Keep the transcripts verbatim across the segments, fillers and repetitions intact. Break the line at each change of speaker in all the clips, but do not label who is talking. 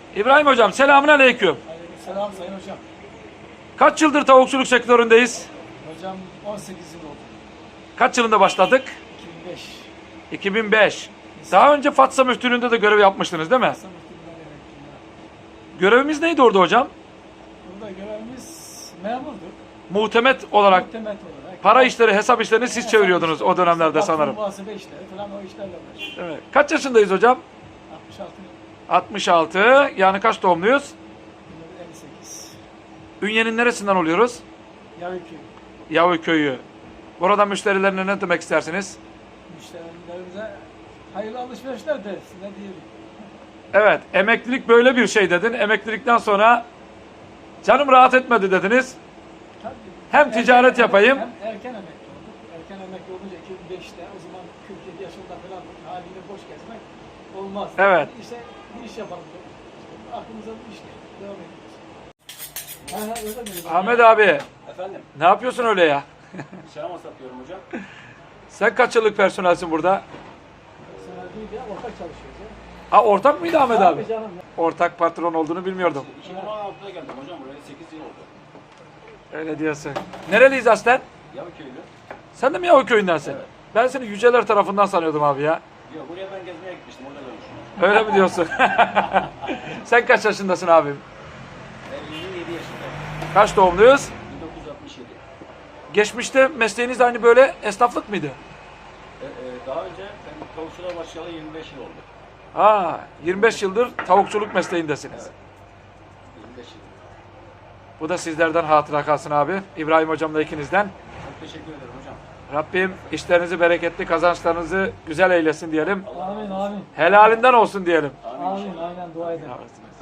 İbrahim hocam, selamünaleyküm.
Selam sayın hocam.
Kaç yıldır tavukçuluk sektöründeyiz?
Hocam on sekiz yıl oldu.
Kaç yılında başladık?
iki bin beş.
iki bin beş. Daha önce Fatsa Müftülüğü'nde de görev yapmıştınız değil mi?
Kısa muhtemelen emekliyim.
Görevimiz neydi orada hocam?
Burada görevimiz memurdu.
Muhtemet olarak
Muhtemet olarak.
para işleri, hesap işlerini siz çeviriyordunuz o dönemlerde sanırım.
Muhasebe işleri falan o işlerle uğraştık.
Evet. Kaç yaşındayız hocam?
altmış altı
altmış altı. Yani kaç doğumluyuz?
elli sekiz.
Ünye'nin neresinden oluyoruz?
Yavükü.
Yavuköy'ü. Burada müşterilerine ne demek istersiniz?
Müşterilerimize hayırlı alışverişler de size diyelim.
Evet, emeklilik böyle bir şey dedin. Emeklilikten sonra canım rahat etmedi dediniz.
Tabii.
Hem ticaret
Erken-
yapayım.
Hem erken emekli olduk. Erken emekli olunca iki bin beşte o zaman kırk yedi yaşında falan haliyle boş gezmek olmaz.
Evet.
Bir işe, bir iş yapalım. İşte aklımıza bir iş geldi. Devam ediyoruz. Ha, ha, öyle mi?
Ahmet abi,
Efendim,
ne yapıyorsun öyle ya?
selam satıyorum hocam.
Sen kaç yıllık personelsin burada?
Sana değil ya, ortak çalışıyoruz ya.
Ha, ortak mıydı Ahmet abi?
Tabii canım.
Ortak patron olduğunu bilmiyordum.
iki bin on altıda geldim hocam buraya, sekiz yıl oldu.
Öyle diyorsun. Nereliyiz aslen?
Yavuköylü.
Sen de mi Yavuköy'ündensin?
Evet.
Ben seni Yüceler tarafından sanıyordum abi ya.
Yok, buraya ben gezmeye gitmiştim, orada görmüştüm.
Öyle mi diyorsun? Sen kaç yaşındasın abim?
Ben yirmi yedi yaşındayım.
Kaç doğumluyuz?
bin dokuz yüz altmış yedi.
Geçmişte mesleğiniz de aynı böyle esnaflık mıydı?
E, e, daha önce ben tavukçuluğa başlayalı yirmi beş yıl oldu.
Ha, yirmi beş yıldır tavukçuluk mesleğindesiniz.
Evet. yirmi beş yıl.
Bu da sizlerden hatıra kalsın abi. İbrahim hocamla ikinizden.
Çok teşekkür ederim hocam.
Rabbim işlerinizi bereketli, kazançlarınızı güzel eylesin diyelim.
Amin, amin.
Helalinden olsun diyelim.
Amin.
Amin, aynen dua edin.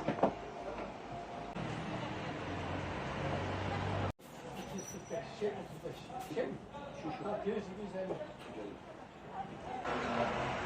iki yüz kırk beş, şey otuz beş. Şey mi? Şu şu. Bak, gerisi güzel.